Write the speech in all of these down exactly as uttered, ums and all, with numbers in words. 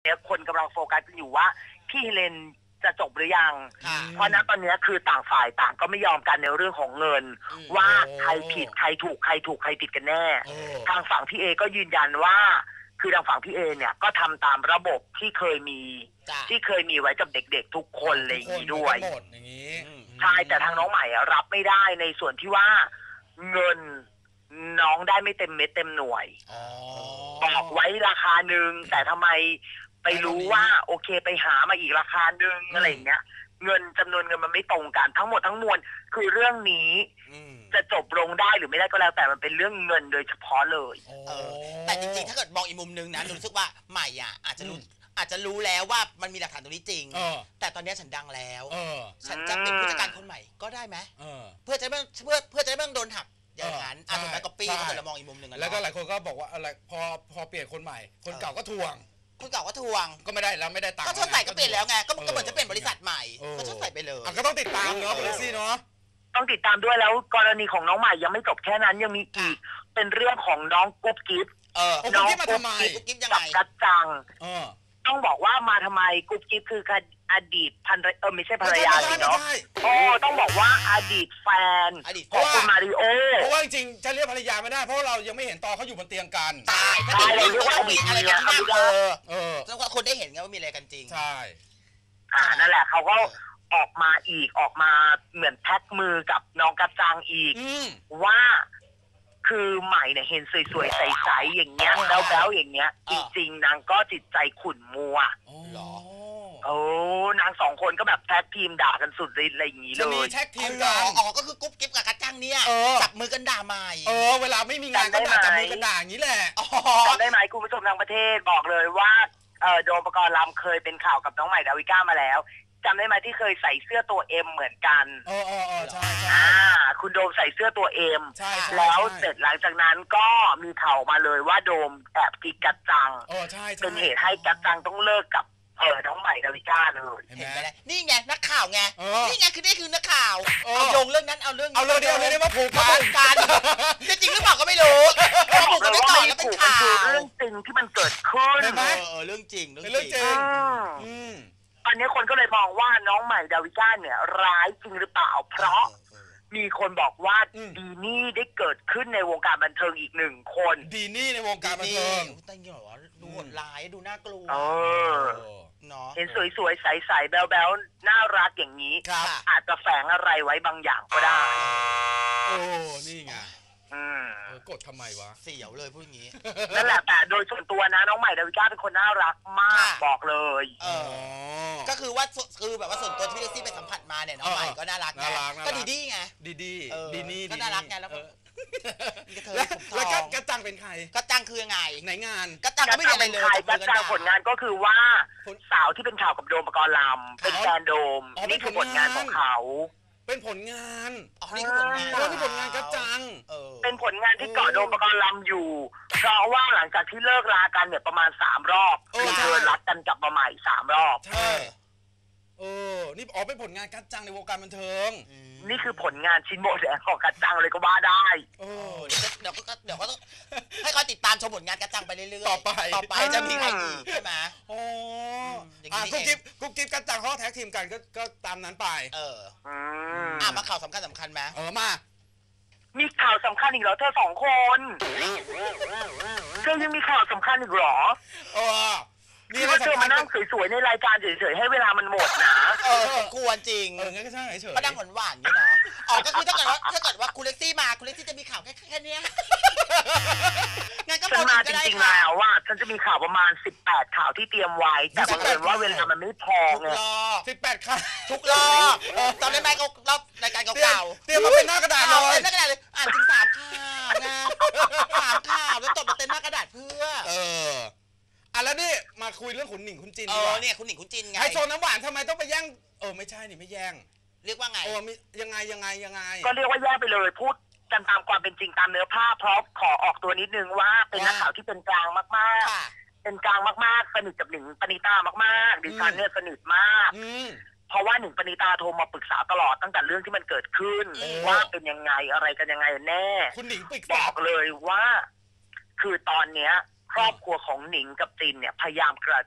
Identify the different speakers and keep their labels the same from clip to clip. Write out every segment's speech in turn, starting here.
Speaker 1: นี้ยคนกำลังโฟกัสอยู่ว่าพี่เฮเลนจะจบหรือยังเพราะณตอนนี้คือต่างฝ่ายต่างก็ไม่ยอมกันในเรื่องของเงินว่าใครผิดใครถูกใครถูกใครผิดกันแน่ทางฝั่งพี่เอก็ยืนยันว่าคือทางฝั่งพี่เอเนี่ยก็ทำตามระบบที่เคยมีที่เคยมีไว้กับเด็กๆทุกคนเลยอย่างนี้ด้วยใช่แต่ทางน้องใหม่รับไม่ได้ในส่วนที่ว่าเงินน้องได้ไม่เต็มเม็ดเต็มหน่วยบอกไว้ราคาหนึ่งแต่ทำไมไปรู้ว่าโอเคไปหามาอีกราคาหนึ่งอะไรอย่างเงี้ยเงินจำนวนเงินมันไม่ตรงกันทั้งหมดทั้งมวลคือเรื่องนี้จะจบลงได้หรือไม่ได้ก็แล้วแต่มันเป็นเรื่องเงินโดยเฉพาะเลย
Speaker 2: เออแต่จริงๆถ้าเกิดมองอีกมุมนึงนะรู้สึกว่าใหม่อ่ะอาจจะรู้อาจจะรู้แล้วว่ามันมีหลักฐานตรงนี้จริงแต่ตอนนี้ฉันดังแล้วฉันจะเป็นผู้จัดการคนใหม่ก็ได้ไหมเพื่อจะไม่เพื่อเพื่อจะไม่ต้องโดนหักอย่างนั้นอาจจะก๊อปปี้ถ้าเกิดเรามองอีกมุมนึง
Speaker 3: แล้วก็หลายคนก็บอกว่าอะไรพอพอเปลี่ยนคนใหม่คนเก่าก็ทวง
Speaker 2: คนเก่าก็ทวง
Speaker 3: ก็ไม่ได้แล้วไม่ได้ตังค์
Speaker 2: ก็ชดใส่ก็เปลี่ยนแล้วไงก็เหมือนจะเปลี่ยนบริษัทใหม่ก็ชดใส่ไปเลย
Speaker 3: ก็ต้องติดตามเนาะคุณลิซี่เนาะ
Speaker 1: ต้องติดตามด้วยแล้วกรณีของน้องใหม่ยังไม่จบแค่นั้นยังมีอีกเป็นเรื่องของน้องกุ๊บกิ๊บ
Speaker 3: น้องกุ๊บกิ๊บมาทำไม
Speaker 2: กุ๊บกิ๊บยังไง
Speaker 1: กัจจังต้องบอกว่ามาทำไมกุ๊บกิ๊บคืออดีตภรรยาเออไม่ใช่ภรรยาเนาะโอ้ต้องบอกว่าอดีตแฟนของคุณมาริโอ
Speaker 3: เพราะว่าจริงๆจะเรียกภรรยาไม่ได้เพราะเรายังไม่เห็นตอนเขาอยู่บนเตียงกัน
Speaker 2: ใช่ถ้าเกิดเรียกว่ามีอะไรกันที่เออเออแล้วคนได้เห็นไงว่ามีอะไรกันจริง
Speaker 3: ใช่
Speaker 1: อ่านั่นแหละเขาก็ออกมาอีกออกมาเหมือนแท็กมือกับน้องกัจจังอีกว่าคือใหม่เนี่ยเห็นสวยๆใสๆอย่างเงี้ยแบ๊วๆอย่างเงี้ยจริงๆนางก็จิตใจขุ่นมัว
Speaker 3: หรอ
Speaker 1: โอ้นางสองคนก็แบบแท็กทีมด่ากันสุดอะไรอย่างงี้เลย
Speaker 3: จะมีแท็กทีมกัน
Speaker 2: อ๋อก็คือกุ๊บกิ๊บกับกัจจังเนี่ยจับมือกันด่าใหม่
Speaker 3: เออเวลาไม่มีงานก็ด่าจับมือกันด่าอย่างนี้แหละ
Speaker 1: จำได้ไหมคุณผู้ชมทางประเทศบอกเลยว่าเออโดมปกรณ์ลำเคยเป็นข่าวกับน้องใหม่ดาวิก้ามาแล้วจำได้ไหมที่เคยใส่เสื้อตัวเอ็มเหมือนกัน
Speaker 3: เออเออเออใช่ใช่
Speaker 1: อ่าคุณโดมใส่เสื้อตัวเอ็มแล้วเสร็จหลังจากนั้นก็มีข่าวมาเลยว่าโดมแอบกิ๊กกัจจังเป็นเหตุให้กัจจังต้องเลิกกับเออน้องใหม่ดาวิก้าเลย
Speaker 2: เห็นไหมนี่ไงนักข่าวไงนี่ไงคือนี่คือนักข่าวเอาโยงเรื่องนั้นเอาเรื่อง
Speaker 3: เอาเรื่องเดียวเลยมาผูก
Speaker 2: กันจะจริงหรือเปล่าก็ไม่รู้เขาผูกกันไม่ต่อแล้วเป็นข่าว
Speaker 1: เรื่องจริงที่มันเกิดขึ้น
Speaker 2: เออเรื่องจริง
Speaker 3: เรื่องจริง
Speaker 1: ตอนนี้คนก็เลยมองว่าน้องใหม่ดาวิก้าเนี่ยร้ายจริงหรือเปล่าเพราะมีคนบอกว่าดีนี่ได้เกิดขึ้นในวงการบันเทิงอีกหนึ่งคน
Speaker 3: ดีนี่ในวงการบันเทิง
Speaker 2: แต่ยังเหรอดูโหดร้ายดูน่ากลัว
Speaker 1: เห็นสวยๆใสๆแบ๊วๆน่ารักอย่างนี้อาจจะแฝงอะไรไว้บางอย่างก็ได้
Speaker 3: โอ้นี่ไงกดทำไมวะ
Speaker 2: เสียวเลยพูดอย่างนี้
Speaker 1: นั่นแหละแต่โดยส่วนตัวนะน้องใหม่ดาวิก้าเป็นคนน่ารักมากบอกเลย
Speaker 2: ก็คือว่าคือแบบว่าส่วนตัวที่พี่เล็กซี่ไปสัมผัสมาเนี่ยน้องใหม่ก็น่ารักไงก็ดีดีไง
Speaker 3: ดีดีดีนี่
Speaker 2: ก็น่ารักไงแล้ว
Speaker 3: แล้วกัจจังเป็นใคร
Speaker 2: กัจจังคือยังไง
Speaker 3: ไหนงาน
Speaker 2: กัจจังก็ไม่เป็น
Speaker 1: ใครกัจจังผลงานก็คือว่าสาวที่เป็นข่าวกับโดมปกรณ์ลำเป็นแฟนโดมนี่คือผลงานของเขา
Speaker 3: เป็นผลงาน
Speaker 2: อ๋อนี่คือผลงาน
Speaker 3: อ๋อนี่ผลงานกัจจัง
Speaker 1: เป็นผลงานที่เกาะโดมปกรณ์ลำอยู่เพราะว่าหลังจากที่เลิกรากันเนี่ยประมาณสามรอบคือเธอรักกันกลับมาใหม่สามรอบ
Speaker 3: ใช่เออนี่อ๋อเป็นผลงานกัจจังในวงการบันเทิง
Speaker 1: นี่คือผลงานชิ้นโบแดงของกัจจังเลยก็ว่าได้
Speaker 2: เออเดี๋ยวก็เดี๋ยวก็ต้องให้เขาติดตามชมผลงานกัจจังไปเรื่อย
Speaker 3: ๆต่อไป
Speaker 2: ต่อไปจะมีใครอีกใช่ไหม
Speaker 3: โอ้อ่ะกุ๊กกิ๊บกุ๊กกิ๊บกัจจังเขาแท็กทีมกันก็ก็ตามนั้นไป
Speaker 2: เอออ่ะมาข่าวสำคัญสำคัญไหม
Speaker 3: เออมา
Speaker 1: มีข่าวสำคัญอีกเหรอเธอสองคนเธอยังมีข่าวสำคัญอีกเหรอ
Speaker 3: เออ
Speaker 1: นี่ว่าเธอมานั่งสวยๆในรายการเฉยๆให้เวลามันหมดนะ
Speaker 2: เออควรจริง
Speaker 3: เอองั้นก็ใช่เฉย
Speaker 2: ก็นั่งหวานๆนี่นะอ๋อก็คือถ้าเกิดว่าถ้าเกิดว่าคุณเล็กซี่มาคุณเล็กซี่จะมีข่าวแค่แค่นี้งั้นก็
Speaker 1: ฉันมาจริงๆแล้วว่าฉันจะมีข่าวประมาณสิบแปดข่าวที่เตรียมไว้แต่บังเอิญว่าเวลามันไม่พอไง
Speaker 3: สิบแปดข่าว
Speaker 2: ทุกรอบตอนเล่นไมค์รอบรายการเก่า
Speaker 3: ๆเตรียมมาเป็นหน้ากระดาษเลย
Speaker 2: หน้ากระดาษเลยอ่านถึงสามข่าวนะสามข่าวแล้วตบมาเต็มหน้ากระดาษเพื่อ
Speaker 3: เอออ่ะแล้วนี่มาคุยเรื่องขุนหนิงขุนจิน
Speaker 2: เออเนี่ยขุนหนิงขุนจินไง
Speaker 3: ไฮโซน้ำหวานทำไมต้องไปแย่งเออไม่ใช่นี่ไม่แย่ง
Speaker 2: เรียกว่าไง
Speaker 3: โอ้มียังไงยังไงยังไง
Speaker 1: ก็เรียกว่าแย่งไปเลยพูดกันตามความเป็นจริงตามเนื้อผ้าเพราะขอออกตัวนิดนึงว่าเป็นนักข่าวที่เป็นกลางมากๆเป็นกลางมากๆสนิทกับหนิงปณิตามากๆดิฉันเนี่ยสนิทมากเพราะว่าหนิงปณิตาโทรมาปรึกษาตลอดตั้งแต่เรื่องที่มันเกิดขึ้นว่าเป็นยังไงอะไรกันยังไงแน่
Speaker 3: คุณหนิงปรึกษา
Speaker 1: บอกเลยว่าคือตอนเนี้ยครอบครัวของหนิงกับจินเนี่ยพยายามกระชับ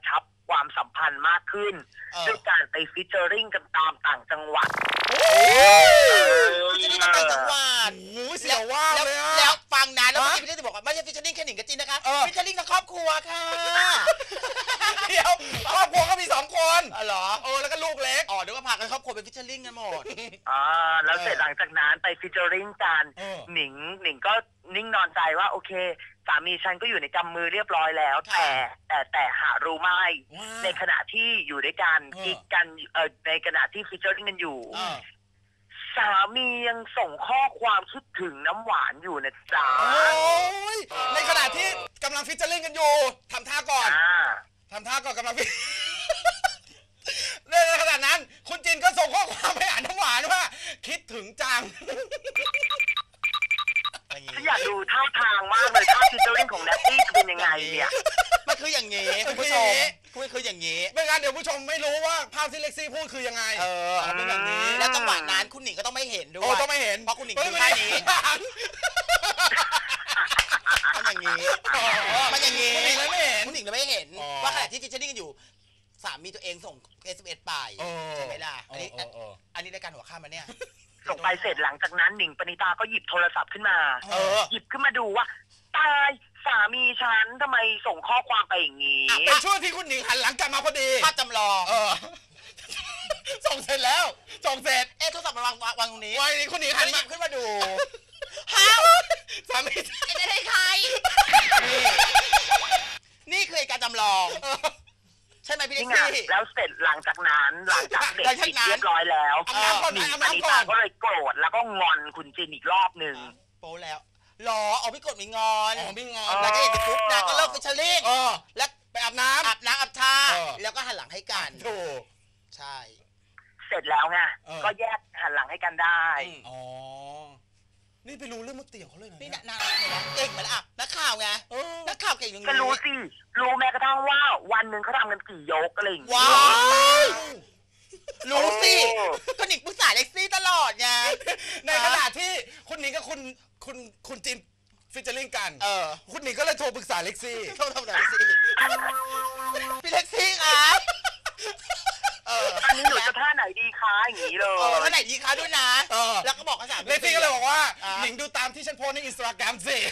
Speaker 1: ความสัมพันธ์มากขึ้นด้วยการไปฟิชเจอริงกันตามต่างจังหวัด
Speaker 2: ฟิชเจอริงกันต่างจังหวัด
Speaker 3: โอ้เสียวว่าเลยอะ
Speaker 2: แล้วฟังนะแล้วเมื่อกี้พี่เต้บอกว่าไม่ใช่ฟิชเจอริงแค่หนิงกับจินนะคะฟิชเจอริงทั้งครอบครัวค่ะ
Speaker 3: เดี๋ยวครอบครัวก็มีสองคน
Speaker 2: อ๋อเหรอ
Speaker 3: เออแล้วก็ลูกเล็ก
Speaker 2: อ๋อเดี๋ยวก็พากันครอบครัวเป็นฟิชเจอริงกันหมด
Speaker 1: อ่าแล้วเสร็จหลังจากนั้นไปฟิชเจอริงกันหนิงหนิงก็นิ่งนอนใจว่าโอเคสามีฉันก็อยู่ในกำมือเรียบร้อยแล้วแต่แต่แต่หารู้ไม่ในขณะที่อยู่ด้วยกันกิ๊กกันเออในขณะที่ฟิชเจอริงกันอยู่สามียังส่งข้อความคิดถึงน้ำหวานอยู่นะจ๊ะ
Speaker 3: ในขณะที่กำลังฟิชเจอริงกันอยู่ทำท่าก่อนทำท่าก่อนกำลังฟิในขณะนั้นคุณจินก็ส่งข้อความไปหาน้ำหวานว่าคิดถึงจัง
Speaker 1: ฉันอยากดูท่าทางมากเลยท่าฟิชเจอริงของแนตตี้จะเป็นยังไงเนี่ย
Speaker 2: มันคืออย่างงี้คุณผู้ชมคุณคืออย่างงี้
Speaker 3: ไม่งั้นเดี๋ยวผู้ชมไม่รู้ว่าภาพที่เล็กซี่พูดคือยังไง
Speaker 2: เออเป็นอย่างนี้แล้วจังหวะนั้นคุณหนิงก็ต้องไม่เห็นด้วยโอ้
Speaker 3: ต้องไม่เห็น
Speaker 2: เพราะคุณหนิงคือท่านี้มันอย่างงี้มันอย่างงี้คุณหนิงเลยไม่เห็นคุณหนิงเลยไม่เห็นว่าขณะที่ฟิชเชอร์ริงกันอยู่สามีตัวเองส่ง เอส เอ็ม เอส ไปใช่ไหมล่ะอันนี้อันนี้รายการหัวข้ามมาเนี่ย
Speaker 1: ส่งไปเสร็จหลังจากนั้นหนิงปณิตาก็หยิบโทรศัพท์ขึ้นมาหยิบขึ้นมาดูว่าตายสามีฉันทำไมส่งข้อความไปอย่างนี้
Speaker 3: เป็นช่วงที่คุณหนิงหันหลังกลับมาพอดี
Speaker 2: ภาพจำลอง
Speaker 3: ส่งเสร็จแล้วส่งเสร็จ
Speaker 2: เอ๊ะโทรศัพท์มันวางวางตรงนี้
Speaker 3: วางนี้คุณหนิงหัน
Speaker 2: หยิบขึ้นมาดู
Speaker 3: ฮ้าวสามี
Speaker 2: ไม่ได้ใครนี่คือการจำลองใช่ไหมพี่เล็กซี่
Speaker 1: แล้วเสร็จหลังจากนั้นหลังจากเด็กปิดเรียบร้อยแล้วหนิงปณิตาก็เลยโกรธแล้วก็งอนคุณจินอีกรอบหนึ่ง
Speaker 2: โป๊แล้วหรอเอาพี่กดมีงอนมีงอนแล้วก็เห็นปุ๊บนะก็เลิกฟิชเชอร์ริงแล้ว
Speaker 3: ไปอาบน้ำ
Speaker 2: อาบน้ำอาบท่าแล้วก็หันหลังให้กัน
Speaker 3: ถูก
Speaker 2: ใช่
Speaker 1: เสร็จแล้วไงก็แยกหันหลังให้กันได้
Speaker 3: อ๋อนี่ไปรู้เรื่องมุดเตี่ยวเขาเลยนะ
Speaker 2: นี่นานเก่งเหมือนอ่ะนักข่าวไงนักข่าวเก่งอย่างนี้
Speaker 1: ก็รู้สิรู้แม้กระทั่งว่าวันหนึ่งเขาทำกันกี่ยกอะไรอย่างเงี้ย
Speaker 2: ว้าวรู้สิก็หนิงปรึกษาเล็กซี่ตลอดไง
Speaker 3: ในขณะที่คุณหนิงกับคุณคุณคุณจินฟิชเชอร์ริงกันเออคุณหนิงก็เลยโทรปรึกษาเล็กซี่
Speaker 2: โทรทำอะไรเล็กซี่พี่เล็กซี่ครับ
Speaker 1: อันนี้หนูจะท่าไหนดีคะอย่างนี้เลย
Speaker 2: ท่าไหนดีคะด้วยนะแล้วก็บอกภาษา
Speaker 3: เล็กซี่ก็เลยบอกว่าหนิงดูตามที่ฉันโพสในอินสตาแกรมสิ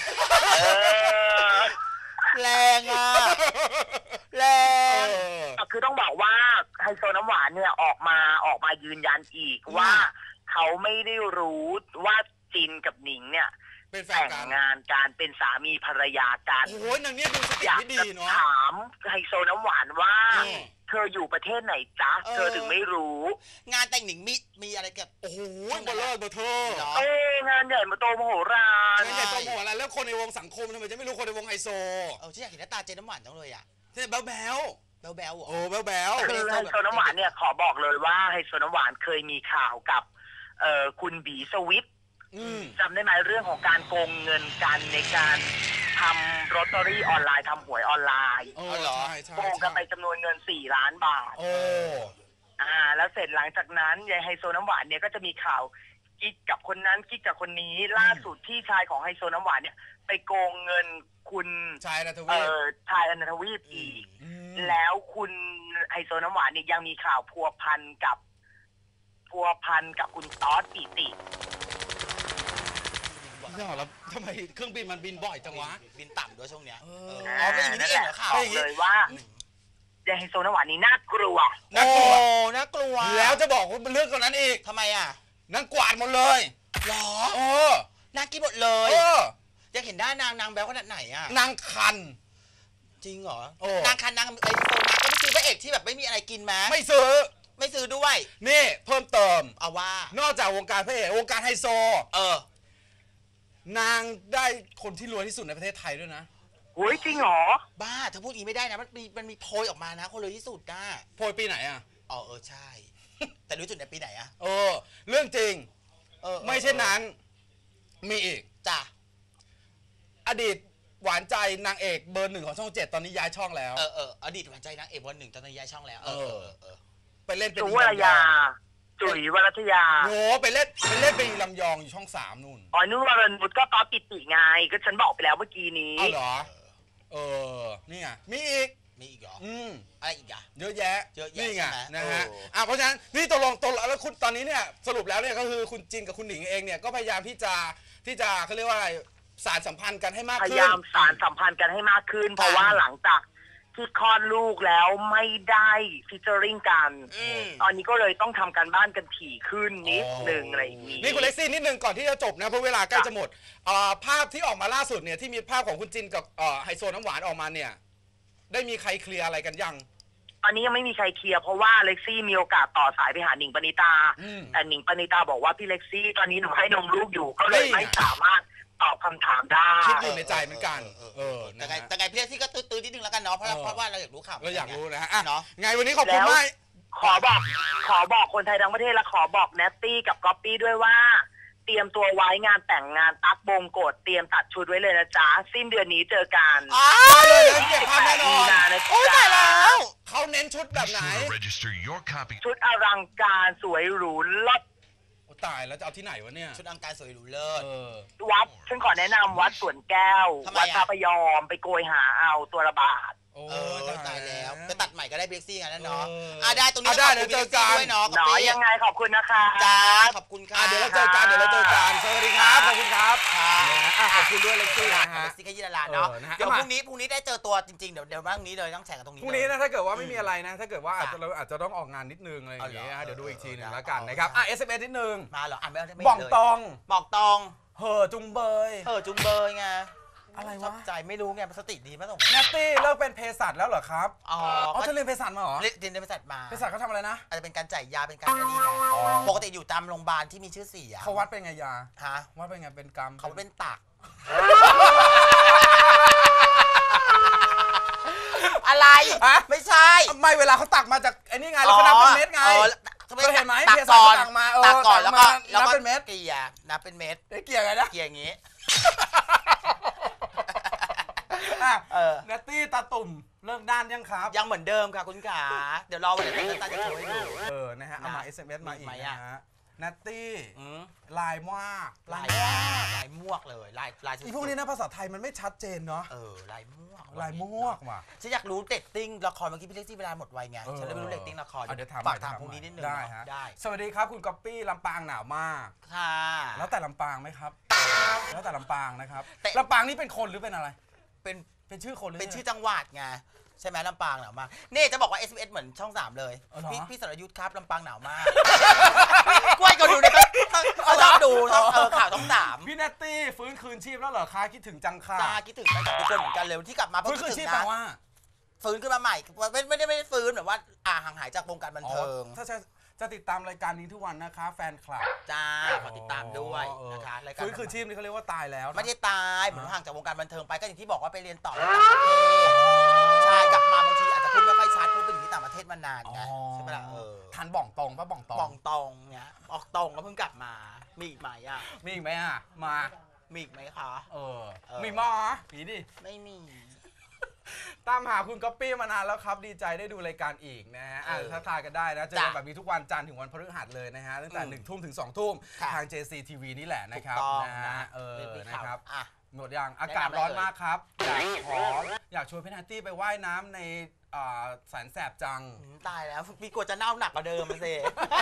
Speaker 2: แรงอ่ะแรง
Speaker 1: คือต้องบอกว่าไฮโซน้ำหวานเนี่ยออกมาออกมายืนยันอีกว่าเขาไม่ได้รู้ว่าจินกับหนิงเนี่ยแต่งงานการเป็นสามีภรรยากัน
Speaker 3: โอ้ยนางเนี่ยดูสติไม่ดีเนาะ
Speaker 1: ถามไฮโซน้ำหวานว่าเธออยู่ประเทศไหนจ๊ะเธอถึงไม่รู้
Speaker 2: งานแต่งหนิงมีมีอะไรกับ
Speaker 3: โอ้โหเบลอเบอร์เธอ
Speaker 1: เอ้งานใหญ่มาโตมโหฬาร
Speaker 3: งานใหญ่โตมโหฬารแล้วคนในวงสังคมทำไมจะไม่รู้คนในวงไฮโซ
Speaker 2: เออที่อยากเห็นหน้าตาเจนน้ำหวานจังเลยอ่ะ
Speaker 3: เจนแบ๊วแบ๊ว
Speaker 2: แบ๊วแบ๊ว
Speaker 3: โอ้แบ๊วแบ๊ว
Speaker 1: คือไฮโซน้ำหวานเนี่ยขอบอกเลยว่าไฮโซน้ำหวานเคยมีข่าวกับเอ่อคุณบีสวิฟจำได้ไหมเรื่องของการโกงเงินกันในการทำลอตเตอรี่ออนไลน์ทำหวยออนไลน์โกงกันไปจำนวนเงินสี่ล้านบาท
Speaker 3: โอ้
Speaker 1: อ่าแล้วเสร็จหลังจากนั้นยายไฮโซน้ำหวานเนี่ยก็จะมีข่าวกิ๊กกับคนนั้นกิ๊กกับคนนี้ล่าสุดที่ชายของไฮโซน้ำหวานเนี่ยไปโกงเงินคุณ
Speaker 3: ชายอนันทวี
Speaker 1: ปเออชายอนันทวีปอีกแล้วคุณไฮโซน้ำหวานเนี่ยยังมีข่าวพัวพันกับพัวพันกับคุณต๊อดปิติ
Speaker 3: เนี่ยแล้วทำไมเครื่องบินมันบินบ่อยจังวะ
Speaker 2: บินต่ำด้วยช่วงเนี้ยอ๋อเป็นอย่างนี้เองเหรอข่าว
Speaker 1: เลยว่ายายไฮโซน้ำหวานนี่น่ากลัว
Speaker 2: น่ากลัวน่ากลัว
Speaker 3: แล้วจะบอกว่าเรื่องคนนั้นอีก
Speaker 2: ทำไมอ่ะ
Speaker 3: นางกวาดหมดเลย
Speaker 2: หรอ
Speaker 3: เออน
Speaker 2: างกินหมดเลย
Speaker 3: เออ
Speaker 2: อยากเห็นด้านนางนางแบ๊วขนาดไหนอ่ะ
Speaker 3: นางคัน
Speaker 2: จริงเหรอนางคันนางไอโซนางก็ไม่ซื้อพระเอกที่แบบไม่มีอะไรกินมา
Speaker 3: ไม่ซื้อ
Speaker 2: ไม่ซื้อด้วย
Speaker 3: นี่เพิ่มเติม
Speaker 2: เอาว่าน
Speaker 3: อกจากวงการพระเอกวงการไฮโซ
Speaker 2: เอ
Speaker 3: อนางได้คนที่รวยที่สุดในประเทศไทยด้วยนะ
Speaker 1: โอ้ยจริงเหรอ
Speaker 2: บ้าถ้าพูดอีกไม่ได้นะมันมีมันมีโพยออกมานะคนรวยที่สุดนะ
Speaker 3: โพยปีไหนอ่ะ
Speaker 2: อ๋อเออใช่แต่รู้จุดในปีไหนอ่ะ
Speaker 3: เออเรื่องจริงเออไม่ใช่นั้นมีอีก
Speaker 2: จ้ะ
Speaker 3: อดีตหวานใจนางเอกเบอร์หนึ่งของช่องเจ็ดตอนนี้ย้ายช่องแล้ว
Speaker 2: เออเอออดีตหวานใจนางเอกเบอร์หนึ่งตอนนี้ย้ายช่องแล้วเออเออ
Speaker 3: ไปเล่นเป็น
Speaker 1: จุ๋ยวรยาจุ๋ยวรัตยา
Speaker 3: โหไปเล่นไปเล่นเป็นลำยองอยู่ช่องสามนู่น
Speaker 1: อ๋อนู่นวรนุชก็ต๊อดปิติไงก็ฉันบอกไปแล้วเมื่อกี้นี้
Speaker 3: อ๋อเหรอเออนี่ไงมีอีก
Speaker 2: มีอีกเหรอ
Speaker 3: อืม
Speaker 2: อะไรอีกอะ
Speaker 3: เยอะแยะ
Speaker 2: เยอะแยะ
Speaker 3: นี่ไง
Speaker 2: ใช่ไหม
Speaker 3: นะฮะ
Speaker 2: โอ้
Speaker 3: อ่ะเพราะฉะนั้นนี่ตกลงตกลงแล้วคุณตอนนี้เนี่ยสรุปแล้วเนี่ยก็คือคุณจินกับคุณหนิงเองเนี่ยก็พยายามที่จะที่จะเขาเรียกว่าอะไรสารสัมพันธ์กันให้มาก
Speaker 1: พ
Speaker 3: ขึ้น
Speaker 1: ยายามสารสัมพันธ์กันให้มากขึ้น เพราะว่าหลังจากที่คลอดลูกแล้วไม่ได้ฟิชเจอริงกัน
Speaker 2: อืม
Speaker 1: ตอนนี้ก็เลยต้องทำการบ้านกันถี่ขึ้นนิดหนึ่งอะไรอย่างนี้
Speaker 3: นี่คุณเล็กซี่นิดนึงก่อนที่จะจบนะเพราะเวลาใกล้จะหมดเอ่อภาพที่ออกมาล่าสุดเนี่ยที่มีภาพของคุณจินกับเอ่อไฮโซน้ำหวานออกมาเนี่ยได้มีใครเคลียร์อะไรกันยัง
Speaker 1: ตอนนี้ยังไม่มีใครเคลียร์เพราะว่าเล็กซี่มีโอกาสต่อสายไปหาหนิงปณิตา
Speaker 3: อืม
Speaker 1: แต่หนิงปณิตาบอกว่าพี่เล็กซี่ตอนนี้หนูให้นมลูกอยู่ก็เลย
Speaker 3: นี่ไง
Speaker 1: ไม่สามารถตอบคำถามได้
Speaker 3: คิดอยู่ในใจเหมือนกัน
Speaker 2: เออ
Speaker 3: เออ
Speaker 2: แต่
Speaker 3: นะ
Speaker 2: ไง
Speaker 3: ฮะ
Speaker 2: แต่ไงพี่เล็กซี่ก็ตื้อๆนิดนึงแล้วกันเนาะเพราะ
Speaker 3: เออ
Speaker 2: เพราะว่าเราอยากรู้ข่าว
Speaker 3: เราอยากรู้นะฮะอ่ะ
Speaker 2: เนาะ
Speaker 3: ไงวันนี้ขอบคุณมาก
Speaker 1: ขอบอกขอบอกคนไทยทั้งประเทศและขอบอกแนตตี้กับก๊อปปี้ด้วยว่า เตรียมตัวไว้งานแต่งงานตั๊กบงโกดเตรียมตัดชุดไว้เลยนะจ๊ะสิ้นเดือนนี้เจอกัน
Speaker 2: อ้า
Speaker 3: ได้เลยนะเก็บภาพแน่นอน
Speaker 1: นะ
Speaker 2: โอ้ยตายแล้ว
Speaker 3: เขาเน้นชุดแบบไหน
Speaker 4: Register your copy.
Speaker 1: ชุดอลังการสวยหรูลด
Speaker 3: โอ้ตายแล้วจะเอาที่ไหนวะเนี่ย
Speaker 2: ชุดอังการสวยหรูเลิศ
Speaker 3: เออ
Speaker 1: วัดฉันขอแนะนำวัดสวนแก้ว
Speaker 2: ทำไม
Speaker 1: วัด
Speaker 2: อะ
Speaker 1: พระพยอมไปโกยหาเอาตัวละบาท
Speaker 3: โอ้
Speaker 2: เออตายแล้วไปตัดใหม่ก็ได้เบรกซี่กันนั่นเนาะ
Speaker 3: เอออ่
Speaker 2: อ่ะได้ตรงนี้
Speaker 3: อ่ะได้
Speaker 2: ขอบคุณ
Speaker 3: เดี๋ยวเจอกัน
Speaker 2: พี่ล็ซี่ด้วยเนาะ
Speaker 1: หนอ
Speaker 2: กับพี่
Speaker 1: ยังไงขอบคุณนะคะ
Speaker 2: จ้าขอบคุณค่ะ
Speaker 3: อ่ะเดี๋ยวเราเจอกันเดี๋ยวเราเจอกันสวัสดีครับขอบคุณครับ
Speaker 2: ค่ะ
Speaker 3: นะฮะอ่ะขอบคุณด้วยเล็กซี่นะ
Speaker 2: เบ
Speaker 3: ฮะ
Speaker 2: รกซี่ขยี้ดาราเนาะ
Speaker 3: เออนะฮะ
Speaker 2: เดี๋ยว
Speaker 3: เอา
Speaker 2: พ
Speaker 3: มา
Speaker 2: รุ่งนี้พรุ่งนี้ได้เจอตัวจริงๆเดี๋ยวเดี๋ยวพรุ่งนี้เลยต้องแข่งกันตรงนี้
Speaker 3: พรุ่งนี้
Speaker 2: เลย
Speaker 3: นะถ้าเกิดว่าไม่มีอะไรนะ ถ้าเกิดว่าอาจจะเราอาจจะต้องออกงานนิดนึงอะไรอย่างเงี้ย
Speaker 2: เอาเหรอ
Speaker 3: เดี๋ยวดูอีกทีหนึง
Speaker 2: เออ
Speaker 3: แล้วกัน
Speaker 2: ได้
Speaker 3: นะครับ
Speaker 2: เอา
Speaker 3: อ่ะ เอส เอ็ม เอส นิดนึง
Speaker 2: มาเหรออ่านไม่ได้ไม่
Speaker 3: บ่อง
Speaker 2: เลย
Speaker 3: ตอง
Speaker 2: บอกตอง
Speaker 3: เห่อจุงเบย
Speaker 2: เออจุงเบยไง
Speaker 3: อะไร
Speaker 2: ชอ
Speaker 3: วะ
Speaker 2: บใจไม่รู้ไงสติดีมากส่ง
Speaker 3: แนตตี้เลิกเป็นเภสัชแล้วเหรอครับ
Speaker 2: อ๋อ
Speaker 3: อ๋อเธอเรียนเภสัชมาเหรอ
Speaker 2: เรียนเรียนบริษัทมา
Speaker 3: เภสัชเขาทำอะไรนะ
Speaker 2: อาจจะเป็นการจ่ายยาเป็นการอะไรไงปกติอยู่ตามโรงพยาบาลที่มีชื่อเสียง
Speaker 3: เขาวัดเป็นไงยา
Speaker 2: ฮะ
Speaker 3: วัดเป็นไงเป็นกรรม
Speaker 2: เขาเป็นตัก อะไร
Speaker 3: ฮะ
Speaker 2: ไม่ใช่
Speaker 3: ไม่เวลาเขาตักมาจากไอ้นี่ไงแล้วเขานับเป็นเม็ดไง
Speaker 2: อ๋อ
Speaker 3: เคยเห็นไหม
Speaker 2: ตัก
Speaker 3: เภสัช
Speaker 2: ก่อน
Speaker 3: เขาตักมาเออ
Speaker 2: ตักก่อนแล้วก็
Speaker 3: ตักมา
Speaker 2: แล้ว
Speaker 3: นับ
Speaker 2: ก็
Speaker 3: เป็นเม็ด
Speaker 2: เกลี่ยนับเป็นเม็ด
Speaker 3: เอ๊ะเกี่ยวไงนะ
Speaker 2: เกลี่ยอย่างงี้
Speaker 3: อ่ะ
Speaker 2: เออ
Speaker 3: แนตตี้ตาตุ่มเลิกด้านยังครับ
Speaker 2: ยังเหมือนเดิมค่ะคุณขาเดี๋ยวรอวันไหนที่ตาจะโชว์ให้ดู
Speaker 3: เออ นะฮะ เอามา เอส เอ็ม เอส มาอีก
Speaker 2: มีไหม
Speaker 3: นะ
Speaker 2: อะ
Speaker 3: ฮะนัตตี้
Speaker 2: อืม
Speaker 3: ลายมาก
Speaker 2: ลาย
Speaker 3: มาก
Speaker 2: ลายมวกเลยลายลายสุดๆ
Speaker 3: อีพวกนี้นะภาษาไทยมันไม่ชัดเจนเนาะ
Speaker 2: เออลายมวก
Speaker 3: ลายมวกว่ะ
Speaker 2: ฉันอยากรู้เรตติ้งละครเมื่อกี้พี่เล็กซี่เวลาหมดไวไง
Speaker 3: เออ
Speaker 2: ฉันเลยไม่รู้เรตติ้งละคร
Speaker 3: อ่ะเดี๋ยวถาม
Speaker 2: ฝาก
Speaker 3: ใหม่
Speaker 2: ถาม
Speaker 3: ถาม
Speaker 2: พรุ่งนี้นิดนึง
Speaker 3: ได้
Speaker 2: เนอะ
Speaker 3: ฮะ
Speaker 2: ได้
Speaker 3: สวัสดีครับคุณก๊อปปี้ลำปางหนาวมาก
Speaker 2: ค่ะ
Speaker 3: แล้วแต่ลำปางไหมครับ แล้วแต่ลำปางนะครับ
Speaker 2: แต่
Speaker 3: ลำปางนี่เป็นคนหรือเป็นอะไร
Speaker 2: เป็น
Speaker 3: เป็นชื่อคนหรือ
Speaker 2: เป็นชื่อจังหวัดไงใช่ไหมลำปางหนาวมากนี่จะบอกว่า เอส เอ็ม เอส เหมือนช่องสามเลย
Speaker 3: อ๋อเหรอ
Speaker 2: พี่พี่สรยุทธ์ครับลำปางหนาวมากกล้วยก็ดูเนี่ยเขาชอบดูต้องเออข่าวต้องสาม
Speaker 3: พี่แนตตี้ฟื้นคืนชีพแล้วเหรอคะคิดถึงจังค่ะ
Speaker 2: ตาคิดถึงไปกับทุกคนเหมือนกันเลยที่กลับมาเพราะ
Speaker 3: ฟื้นคืน
Speaker 2: คิด
Speaker 3: ชี
Speaker 2: ถึ
Speaker 3: พ
Speaker 2: ง
Speaker 3: แปล
Speaker 2: นะ
Speaker 3: ว่า
Speaker 2: ฟื้นขึ้นมาใหม่ไม่ไม่ได้ไม่ได้ฟื้นแบบว่าอ่าห่างหายจากวงการบัน
Speaker 3: อ๋อ
Speaker 2: เทิง
Speaker 3: ถ้าจะจะติดตามรายการนี้ทุกวันนะคะ แฟนคลับ
Speaker 2: จ้าขอติดตามด้วย
Speaker 3: เออ
Speaker 2: นะคะรายการ
Speaker 3: ฟื้นคืนชีพนี่เขาเรียกว่าตายแล้วนะ
Speaker 2: ไม่ได้ตายเหมือนห่างจากวงการบันเทิงไปก็อย่างที่บอกว่าไปเรียนต่อที่ต่างประเทศใช่กลับมาบางทีอาจจะพูดไม่ค่อยชัดเพราะไปอยู่ที่ต่างประเทศมานานไงใช่ไหมล่ะเออ
Speaker 3: ทันบ่องตรงปะบ่องตรง
Speaker 2: ป่องตรงเนี่ยออกตรงก็เพิ่งกลับมามีอีกไหมอ่ะ
Speaker 3: มีอีกไหมอ่ะ มา
Speaker 2: มีอีกไหมคะ
Speaker 3: เออ
Speaker 2: เออ
Speaker 3: มีมอมีดิ
Speaker 2: ไม่มี
Speaker 3: ตามหาคุณก๊อปปี้มานานแล้วครับ ดีใจได้ดูรายการอีกนะฮะอ่ะ
Speaker 2: เออ
Speaker 3: ถ้าทายกันได้นะ เจอกันแบบนี้ทุกวันจันทร์ถึงวันพฤหัสเลยนะฮะ ตั้งแต่
Speaker 2: อืม
Speaker 3: หนึ่งทุ่มถึงสองทุ่ม
Speaker 2: ค่ะ
Speaker 3: ทาง เจ ซี ที วี นี่แหละนะครับ
Speaker 2: ถูกต้อง
Speaker 3: นะฮะ เออ
Speaker 2: เป็น
Speaker 3: นะ
Speaker 2: ข่าว
Speaker 3: ครับ
Speaker 2: อ่ะ
Speaker 3: หมดยังอากาศร้อนมากครับ อยากขออยากชวนพี่แนตตี้ไปว่ายน้ำในอ่าแสนแสบจัง
Speaker 2: อืมตายแล้วพี่กลัวจะเน่าหนักกว่าเดิมมาสิ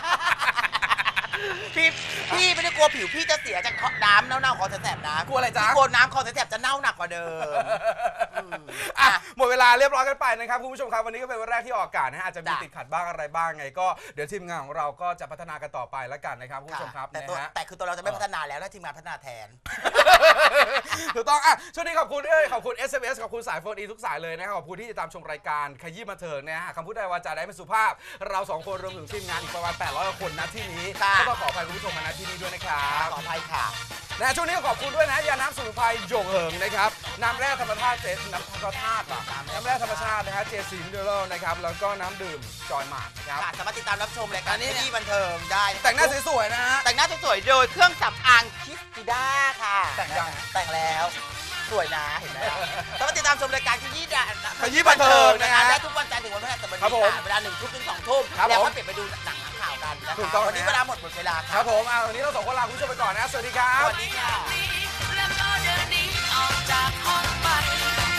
Speaker 2: พี่พี่ไม่ได้กลัวผิวพี่จะเสียจากน้ำเน่าๆคอแสบๆนะ
Speaker 3: กลัวอะไรจ๊ะ
Speaker 2: พี่กลัวน้ำคอแสบๆจะเน่าหนักกว่าเดิมอืม
Speaker 3: อ่ะ
Speaker 2: อ่ะ
Speaker 3: หมดเวลาเรียบร้อยกันไปนะครับคุณผู้ชมครับวันนี้ก็เป็นวันแรกที่ออกอากาศนะฮะอาจจะมี
Speaker 2: จ้ะ
Speaker 3: ติดขัดบ้างอะไรบ้างไงก็เดี๋ยวทีมงานของเราก็จะพัฒนากันต่อไปแล้วกันนะครับคุณผู้ชมครับ
Speaker 2: แต่
Speaker 3: นะ
Speaker 2: ตัว
Speaker 3: ฮะ
Speaker 2: แต่คือตัวเราจะไม่พัฒนาแล้วถ้าทีมงานพัฒนาแทน
Speaker 3: ถูกต้องอ่ะช่วงนี้ขอบคุณเอ้ยขอบคุณ เอส เอ็ม เอส ขอบคุณสายโฟนอีทุกสายเลยนะครับขอบคุณที่ติดตามชมรายการขยี้มาเถิงนะฮะคำพูดใดวาจาใดไม่สุภาพ เราสองคนรวมถึงทีมงานอีกประมาณแปดร้อยกว่าคนณที่นี้
Speaker 2: ค่ะ
Speaker 3: ก็ต้องขออภัยคุณผู้ชมมาณที่นี้ด้วยนะครับ
Speaker 2: ขออภัยค่ะ
Speaker 3: นะช่วงนี้ขอบคุณด้วยนะยาน้ำสมุนไพรหยงเหิงนะครับน้ำแร่ธรรมชาติเจน้ำธรรมชาติว่ะน้ำแร่ธรรมชาตินะฮะเจซีมิเนอรัลนะครับแล้วก็น้ำดื่มจอยหมาดครับ
Speaker 2: ค่ะสามารถติดตามรับชมรายการนี้ที่บันเทิงได้
Speaker 3: แต่งหน้าสวยๆนะฮะ
Speaker 2: แต่งหน้าสวยๆโดยเครื่องสำอางคิสติด้าค่ะ
Speaker 3: แต่งยัง
Speaker 2: แต่งแล้วสวยนะเห็นไหมสามารถติดตามชมรายการขยี้ดา
Speaker 3: ขยี้บันเทิงนะฮะ
Speaker 2: ได้ทุกวันจันทร์ถึงวันพฤหัสบดี
Speaker 3: ครับผม
Speaker 2: ค่ะเวลาหนึ่งทุ่มถึงสองทุ่ม
Speaker 3: ครับ
Speaker 2: แล้ว
Speaker 3: ผม
Speaker 2: ก็เปลี่ยนไปดูหนังข่าวกันนะ
Speaker 3: ถูก
Speaker 2: คะ
Speaker 3: ต้อง
Speaker 2: วันนี้
Speaker 3: นะ
Speaker 2: เวลาหมดหมดเวลา
Speaker 3: ค
Speaker 2: ค่ะ
Speaker 3: รับผมอ่ะวันนี้เราสองคนลาคุณผู้ชมไปก่อนนะสวัสดีครับ
Speaker 2: สวัสดีค่ะ
Speaker 5: แล้วก็เดินหนีออกจากห้องไป